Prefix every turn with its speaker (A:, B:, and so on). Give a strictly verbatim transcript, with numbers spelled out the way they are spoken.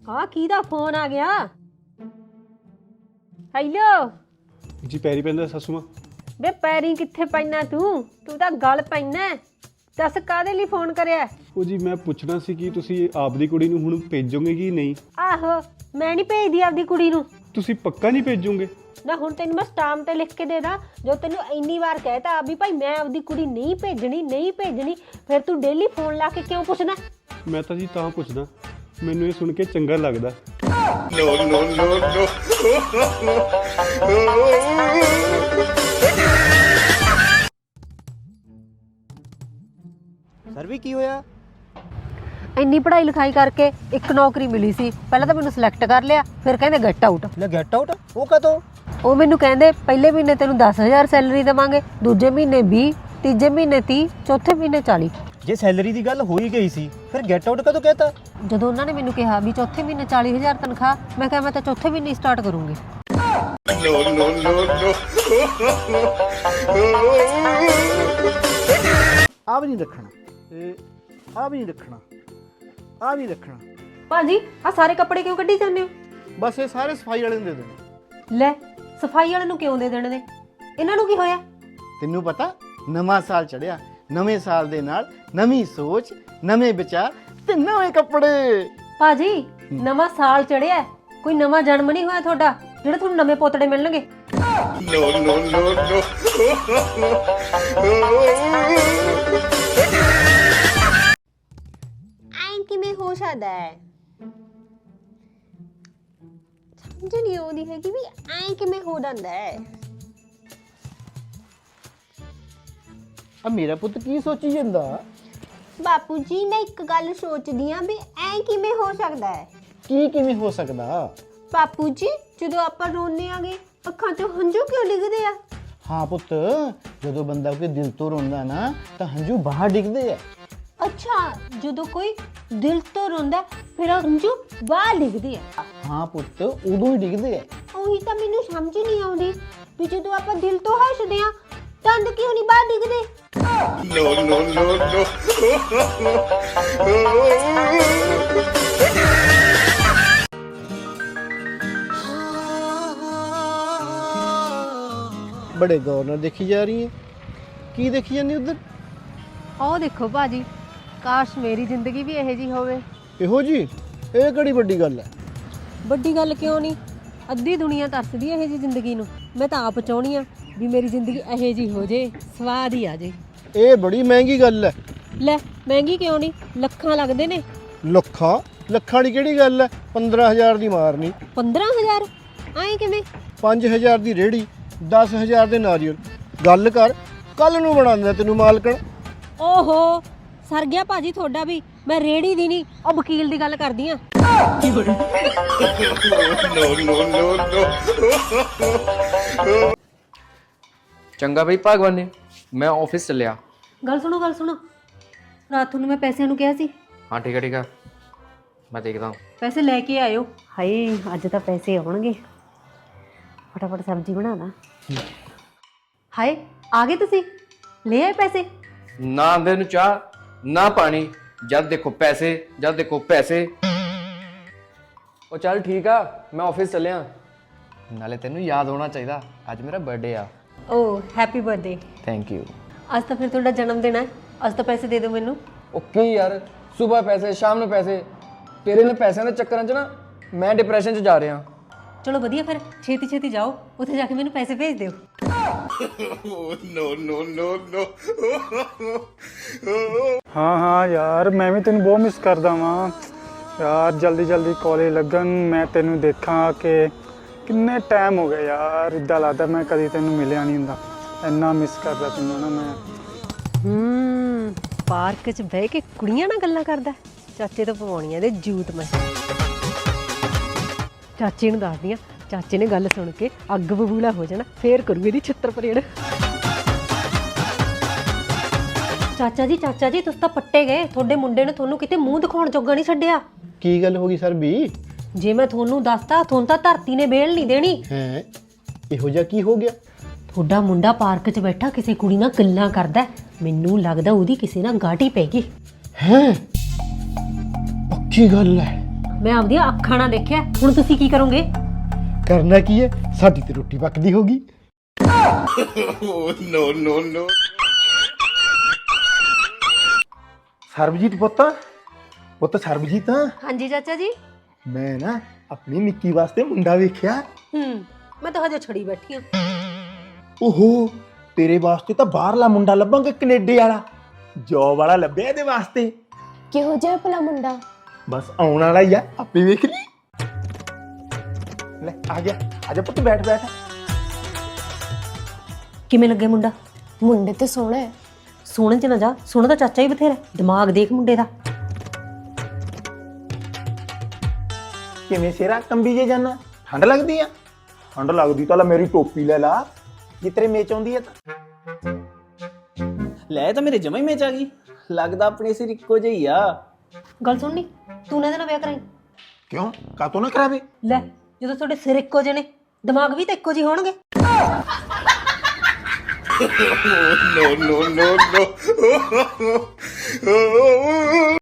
A: हाँ किहदा फोन आ गया? हेलो
B: जी पैरी पैंदा सासू मां।
A: बे पैरी कित्थे पैना तू तू तां गल पैना। दस काहदे लई फोन करिया?
B: ਉਹ ਜੀ ਮੈਂ ਪੁੱਛਣਾ ਸੀ ਕਿ ਤੁਸੀਂ ਆਪਦੀ ਕੁੜੀ ਨੂੰ ਹੁਣ ਭੇਜੋਗੇ ਕਿ ਨਹੀਂ?
A: आहो मैं नहीं भेजदी आपदी कुड़ी नूं।
B: ਤੁਸੀਂ ਪੱਕਾ ਨਹੀਂ ਭੇਜੋਗੇ?
A: ना हुण तैनूं मैं स्टाम ते लिख के दे दा जो तैनूं इन्नी बार कहता भी भाई मैं आपदी कुड़ी नहीं भेजनी नहीं भेजनी फिर तू डेली फोन ला के क्यों पुछना?
B: ਮੈਂ ਤਾਂ ਜੀ ਤਾਂ ਪੁੱਛਦਾ ਮੈਨੂੰ ਇਹ ਸੁਣ ਕੇ ਚੰਗਾ ਲੱਗਦਾ।
C: No, no, no, no.
D: Sir ਵੀ ਕੀ ਹੋਇਆ?
A: ਇੰਨੀ ਪੜ੍ਹਾਈ ਲਿਖਾਈ ਕਰਕੇ ਇੱਕ ਨੌਕਰੀ ਮਿਲੀ ਸੀ ਪਹਿਲਾਂ ਤਾਂ ਮੈਨੂੰ ਸਿਲੈਕਟ ਕਰ ਲਿਆ ਫਿਰ ਕਹਿੰਦੇ ਗੈਟ ਆਊਟ।
D: ਲੈ ਗੈਟ ਆਊਟ ਉਹ ਕਦੋਂ?
A: ਉਹ ਮੈਨੂੰ ਕਹਿੰਦੇ ਪਹਿਲੇ ਮਹੀਨੇ ਤੈਨੂੰ ਦਸ ਹਜ਼ਾਰ ਸੈਲਰੀ ਦੇਵਾਂਗੇ, ਦੂਜੇ ਮਹੀਨੇ ਵੀਹ, ਤੀਜੇ ਮਹੀਨੇ ਤੀਹ, ਚੌਥੇ ਮਹੀਨੇ ਚਾਲੀ।
D: ਜੇ ਸੈਲਰੀ ਦੀ ਗੱਲ ਹੋ ਹੀ ਗਈ ਸੀ ਫਿਰ ਗੈਟ ਆਊਟ ਕਦੋਂ ਕਹਿਤਾ?
A: ਜਦੋਂ ਉਹਨਾਂ ਨੇ ਮੈਨੂੰ ਕਿਹਾ ਵੀ ਚੌਥੇ ਮਹੀਨੇ ਚਾਲੀ ਹਜ਼ਾਰ ਤਨਖਾਹ, ਮੈਂ ਕਿਹਾ ਮੈਂ ਤਾਂ ਚੌਥੇ ਮਹੀਨੇ ਸਟਾਰਟ ਕਰੂੰਗੀ।
C: No, no, no, no.
E: ਆ ਵੀ ਨਹੀਂ ਰੱਖਣਾ, ਤੇ ਆ ਵੀ ਨਹੀਂ ਰੱਖਣਾ, ਆ ਵੀ ਰੱਖਣਾ।
A: ਭਾਜੀ ਆ ਸਾਰੇ ਕੱਪੜੇ ਕਿਉਂ ਕੱਢੀ ਜਾਂਦੇ ਹੋ?
E: ਬਸ ਇਹ ਸਾਰੇ ਸਫਾਈ ਵਾਲੇ ਨੂੰ ਦੇ ਦੇਣੇ।
A: ਲੈ ਸਫਾਈ ਵਾਲੇ ਨੂੰ ਕਿਉਂ ਦੇ ਦੇਣੇ ਨੇ? ਇਹਨਾਂ ਨੂੰ ਕੀ ਹੋਇਆ?
E: ਤੈਨੂੰ ਪਤਾ ਨਵਾਂ ਸਾਲ ਚੜਿਆ, ਨਵੇਂ ਸਾਲ ਦੇ ਨਾਲ ਨਵੀਂ ਸੋਚ, ਨਵੇਂ ਵਿਚਾਰ ਤੇ ਨਵੇਂ ਕੱਪੜੇ।
A: ਭਾਜੀ ਨਵਾਂ ਸਾਲ ਚੜਿਆ, ਕੋਈ ਨਵਾਂ ਜਨਮ ਨਹੀਂ ਹੋਇਆ ਤੁਹਾਡਾ ਜਿਹੜੇ ਤੁਹਾਨੂੰ ਨਵੇਂ ਪੋਤੜੇ ਮਿਲਣਗੇ।
C: No, no, no, no.
A: ਐਂ ਕਿਵੇਂ ਹੋ ਸਕਦਾ ਹੈ? ਸਮਝ ਨਹੀਂ ਆਉਂਦੀ ਹੈ ਕਿ ਵੀ ਐਂ ਕਿਵੇਂ ਹੋ ਜਾਂਦਾ ਹੈ।
E: ਆ ਮੇਰਾ ਪੁੱਤ ਕੀ ਸੋਚੀ ਜਾਂਦਾ?
A: ਬਾਪੂ ਜੀ ਮੈਂ ਇੱਕ ਗੱਲ ਸੋਚਦੀ ਆਂ ਵੀ ਐਂ ਕਿਵੇਂ ਹੋ ਸਕਦਾ ਹੈ।
E: ਕੀ ਕਿਵੇਂ ਹੋ ਸਕਦਾ?
A: ਬਾਪੂ ਜੀ ਜਦੋਂ ਆਪਾਂ ਰੋਂਦੇ ਆਂਗੇ ਅੱਖਾਂ 'ਚੋਂ ਹੰਝੂ ਕਿਉਂ ਡਿੱਗਦੇ ਆ?
E: ਹਾਂ ਪੁੱਤ, ਜਦੋਂ ਬੰਦਾ ਕੋਈ ਦਿਲ ਤੋਂ ਰੋਂਦਾ ਨਾ ਤਾਂ ਹੰਝੂ ਬਾਹਰ ਡਿੱਗਦੇ ਆ।
A: ਅੱਛਾ ਜਦੋਂ ਕੋਈ ਦਿਲ ਤੋਂ ਰੋਂਦਾ ਫਿਰ ਹੰਝੂ ਬਾਹਰ ਡਿੱਗਦੇ ਆ।
E: ਹਾਂ ਪੁੱਤ, ਉਦੋਂ ਹੀ ਡਿੱਗਦੇ ਆ।
A: ਉਹੀ ਤਾਂ ਮੈਨੂੰ ਸਮਝ ਨਹੀਂ ਆਉਂਦੀ ਵੀ ਜਦੋਂ ਆਪਾਂ ਦਿਲ ਤੋਂ ਹੱਸਦੇ ਆ ਦੰਦ ਕਿਉਂ ਨਹੀਂ ਬਾਹਰ ਡਿੱਗਦੇ?
C: No, no, no, no.
E: ਬੜੇ ਗੌਰ ਨਾਲ ਦੇਖੀ ਜਾ ਰਹੀ ਹੈ। ਕੀ ਦੇਖੀ ਜਾਂਦੀ ਉਧਰ?
A: ਆਹ ਦੇਖੋ ਭਾਜੀ, ਕਾਸ਼ ਮੇਰੀ ਜ਼ਿੰਦਗੀ ਵੀ ਇਹੋ ਜਿਹੀ ਹੋਵੇ।
E: ਇਹੋ ਜੀ? ਇਹ ਕਿਹੜੀ ਵੱਡੀ ਗੱਲ ਹੈ?
A: ਵੱਡੀ ਗੱਲ ਕਿਉਂ ਨਹੀਂ, ਅੱਧੀ ਦੁਨੀਆ ਤਰਸਦੀ ਇਹੋ ਜਿਹੀ ਜ਼ਿੰਦਗੀ ਨੂੰ। ਮੈਂ ਤਾਂ ਆਪ ਚਾਹੁੰਦੀ ਆ ਵੀ ਮੇਰੀ ਜ਼ਿੰਦਗੀ ਇਹੋ ਜਿਹੀ ਹੋ ਜੇ, ਸਵਾਦ ਹੀ ਆ ਜੇ।
E: ਇਹ ਬੜੀ ਮਹਿੰਗੀ ਗੱਲ ਹੈ।
A: ਲੈ ਮਹਿੰਗੀ ਕਿਉਂ ਨਹੀਂ, ਲੱਖਾਂ ਲੱਗਦੇ ਨੇ।
E: ਲੱਖਾਂ? ਲੱਖਾਂ ਦੀ ਕਿਹੜੀ ਗੱਲ ਹੈ? ਪੰਦਰਾਂ ਹਜ਼ਾਰ ਦੀ ਮਾਰਨੀ।
A: ਪੰਦਰਾਂ ਹਜ਼ਾਰ ਐਂ ਕਿਵੇਂ?
E: ਪੰਜ ਹਜ਼ਾਰ ਦੀ ਰੇੜੀ, ਦਸ ਹਜ਼ਾਰ ਦੇ ਨਾਰੀਅਲ। ਗੱਲ ਕਰ, ਕੱਲ ਨੂੰ ਬਣਾਉਂਦਾ ਤੈਨੂੰ ਮਾਲਕਣ।
A: ਓਹੋ ਸਰ ਗਿਆ ਭਾਜੀ ਤੁਹਾਡਾ ਵੀ। ਮੈਂ ਰੇੜੀ ਦੀ ਨਹੀਂ ਉਹ ਵਕੀਲ ਦੀ ਗੱਲ ਕਰਦੀ ਆ।
C: No, no, no, no.
F: ਚੰਗਾ ਬਈ ਭਗਵਾਨ, ਮੈਂ ਆਫਿਸ ਚੱਲਿਆ।
A: ਗੱਲ ਸੁਣੋ ਗੱਲ ਸੁਣੋ, ਰਾਤ ਨੂੰ ਮੈਂ ਪੈਸਿਆਂ ਨੂੰ ਕਿਹਾ ਸੀ।
F: ਹਾਂ ਠੀਕ ਹੈ ਠੀਕ ਹੈ, ਮੈਂ ਦੇਖਦਾ।
A: ਪੈਸੇ ਲੈ ਕੇ ਆਇਓ। ਹਾਏ ਅੱਜ ਤਾਂ ਪੈਸੇ ਆਉਣਗੇ, ਫਟਾਫਟ ਸਬਜ਼ੀ ਬਣਾ ਲਾ। ਹਾਏ ਆ ਗਏ ਤੁਸੀਂ, ਲੈ ਆਏ ਪੈਸੇ?
F: ਨਾ ਆਂਦੇ ਨੂੰ ਚਾਹ ਨਾ ਪਾਣੀ, ਜਦ ਦੇਖੋ ਪੈਸੇ ਜਦ ਦੇਖੋ ਪੈਸੇ। ਉਹ ਚੱਲ ਠੀਕ ਆ, ਮੈਂ ਆਫਿਸ ਚੱਲਿਆ। ਨਾਲੇ ਤੈਨੂੰ ਯਾਦ ਹੋਣਾ ਚਾਹੀਦਾ ਅੱਜ ਮੇਰਾ ਬਰਥਡੇ ਆ।
A: ਓ ਹੈਪੀ ਬਰਥਡੇ।
F: Thank you.
A: ਅੱਜ ਤਾਂ ਫਿਰ ਤੁਹਾਡਾ ਜਨਮ ਦਿਨ ਹੈ, ਅੱਜ ਤਾਂ ਪੈਸੇ ਦੇ ਦਿਓ ਮੈਨੂੰ।
F: ਓਕੇ ਯਾਰ, ਸਵੇਰ ਪੈਸੇ ਸ਼ਾਮ ਨੂੰ ਪੈਸੇ, ਤੇਰੇ ਨਾਲ ਪੈਸਿਆਂ ਦੇ ਚੱਕਰਾਂ 'ਚ ਨਾ ਮੈਂ ਡਿਪਰੈਸ਼ਨ 'ਚ ਜਾ ਰਿਹਾ।
A: ਚਲੋ ਵਧੀਆ, ਫਿਰ ਛੇਤੀ ਛੇਤੀ ਜਾਓ, ਉੱਥੇ ਜਾ ਕੇ ਮੈਨੂੰ ਪੈਸੇ ਭੇਜ ਦਿਓ।
C: No, no, no, no.
B: ਹਾਂ ਹਾਂ ਯਾਰ ਮੈਂ ਵੀ ਤੈਨੂੰ ਬਹੁਤ ਮਿਸ ਕਰਦਾ ਵਾਂ ਯਾਰ। ਜਲਦੀ ਜਲਦੀ ਕਾਲਜ ਲੱਗਣ, ਮੈਂ ਤੈਨੂੰ ਦੇਖਾਂ ਕਿ ਕਿੰਨੇ ਟਾਈਮ ਹੋ ਗਿਆ ਯਾਰ। ਇੱਦਾਂ ਲੱਗਦਾ ਮੈਂ ਕਦੀ ਤੈਨੂੰ ਮਿਲਿਆ ਨਹੀਂ ਹੁੰਦਾ, ਇੰਨਾ ਮਿਸ ਕਰਦਾ ਤੈਨੂੰ ਨਾ ਮੈਂ।
A: ਹੂੰ ਪਾਰਕ 'ਚ ਬਹਿ ਕੇ ਕੁੜੀਆਂ ਨਾਲ ਗੱਲਾਂ ਕਰਦਾ। ਚਾਚੇ ਤੋਂ ਪਵਾਉਣੀ ਇਹਦੇ ਜੂਤ ਮੈਂ। ਚਾਚੇ ਨੂੰ ਦੱਸਦੀ ਆ, ਚਾਚੇ ਨੇ ਗੱਲ ਸੁਣ ਕੇ ਅੱਗ ਬਬੂਲਾ ਹੋ ਜਾਣਾ, ਫੇਰ ਕਰੂ ਇਹਦੀ ਛਿੱਤਰ ਪਰੇਡ। ਚਾਚਾ ਜੀ ਚਾਚਾ ਜੀ ਤੁਸੀਂ ਤਾਂ ਪੱਟੇ ਗਏ, ਤੁਹਾਡੇ ਮੁੰਡੇ ਨੇ ਤੁਹਾਨੂੰ ਕਿਤੇ ਮੂੰਹ ਦਿਖਾਉਣ ਜੋਗਾ ਨਹੀਂ ਛੱਡਿਆ।
E: ਕੀ ਗੱਲ ਹੋ ਗਈ ਸਰ ਵੀ?
A: ਜੇ ਮੈਂ ਤੁਹਾਨੂੰ ਦੱਸਤਾ ਤੁਹਾਨੂੰ ਤਾਂ ਧਰਤੀ ਨੇ ਬੇਲ ਨਹੀਂ ਦੇਣੀ।
E: ਹੈ ਇਹੋ ਜਿਹਾ ਕੀ ਹੋ ਗਿਆ?
A: ਤੁਹਾਡਾ ਮੁੰਡਾ ਪਾਰਕ 'ਚ ਬੈਠਾ ਕਿਸੇ ਕੁੜੀ ਨਾਲ ਗੱਲਾਂ ਕਰਦਾ, ਮੈਨੂੰ ਲੱਗਦਾ ਉਹਦੀ ਕਿਸੇ ਨਾਲ ਗਾਟੀ ਪੈ ਗਈ।
E: ਹੈ ਪੱਕੀ ਗੱਲ ਹੈ?
A: ਮੈਂ ਆਪਦੀਆਂ ਅੱਖਾਂ ਨਾਲ ਦੇਖਿਆ। ਹੁਣ ਤੁਸੀਂ ਕੀ ਕਰੋਗੇ?
E: ਕਰਨਾ ਕੀ ਹੈ, ਸਾਡੀ ਤੇ ਰੋਟੀ ਪੱਕਦੀ ਹੋਗੀ।
C: Oh, no, no, no.
E: Sarabjit ਪੁੱਤ, ਪੁੱਤ ਸਰਬਜੀਤ,
A: ਹਾਂਜੀ ਚਾਚਾ ਜੀ।
E: ਮੈਂ ਨਾ ਆਪਣੀ ਨਿੱਕੀ ਵਾਸਤੇ ਮੁੰਡਾ ਵੇਖਿਆ।
A: ਹੂੰ, ਮੈਂ ਤਾਂ ਹਜੇ ਛੜੀ ਬੈਠੀ ਆ।
E: ਓਹੋ, ਤੇਰੇ ਵਾਸਤੇ ਤਾਂ ਬਾਹਰਲਾ ਮੁੰਡਾ ਲੱਭਾਂਗੇ, ਕੈਨੇਡਾ ਵਾਲਾ। ਜੋਬ ਵਾਲਾ ਲੱਭਿਆ ਇਹਦੇ ਵਾਸਤੇ।
G: ਕਿਹੋ ਜਿਹਾ ਭਲਾ ਮੁੰਡਾ?
E: ਬਸ ਆਉਣ ਵਾਲਾ ਹੀ ਆ, ਆਪੇ ਵੇਖ ਲਈ। ਲੈ ਆ ਗਿਆ, ਆ ਜਾ ਪੁੱਤ, ਬੈਠ ਬੈਠ।
A: ਕਿਵੇਂ ਲੱਗੇ ਮੁੰਡਾ?
G: ਮੁੰਡੇ ਤੇ ਸੋਹਣਾ ਹੈ।
A: ਸੋਹਣੇ ਚ ਨਾ ਜਾ, ਸੋਹਣਾ ਤਾਂ ਚਾਚਾ ਹੀ ਬਥੇਰਾ। ਦਿਮਾਗ ਦੇਖ ਮੁੰਡੇ ਦਾ।
E: ਕਿਵੇਂ ਸਿਰਾ ਕੰਬੀ ਜੇ ਜਾਨਾ? ਠੰਡ ਲੱਗਦੀ ਆ? ਠੰਡ ਲੱਗਦੀ ਤਾਂ ਲੈ ਮੇਰੀ ਟੋਪੀ ਲੈ ਲਾ, ਜੇ ਤੇਰੇ ਮੇਚ ਆਉਂਦੀ ਹੈ ਤਾਂ।
D: ਲੈ ਤਾਂ ਮੇਰੇ ਜਮਾ ਹੀ ਮੇਚ ਆ ਗਈ। ਲੱਗਦਾ ਆਪਣੇ ਸਿਰ ਇੱਕੋ ਜਿਹੀ ਆ।
A: ਗੱਲ ਸੁਣਨੀ, ਤੂੰ ਨਾ ਇਹਦੇ ਨਾਲ ਵਿਆਹ ਕਰਾਈ।
E: ਕਿਉਂ, ਕਾਤੋਂ ਨਾ ਕਰਾਵੇ?
A: ਲੈ, ਜਦੋਂ ਤੁਹਾਡੇ ਸਿਰ ਇੱਕੋ ਜਿਹੇ ਨੇ, ਦਿਮਾਗ ਵੀ ਤਾਂ ਇੱਕੋ ਜਿਹੇ ਹੋਣਗੇ।
C: Oh, no, no, no, no.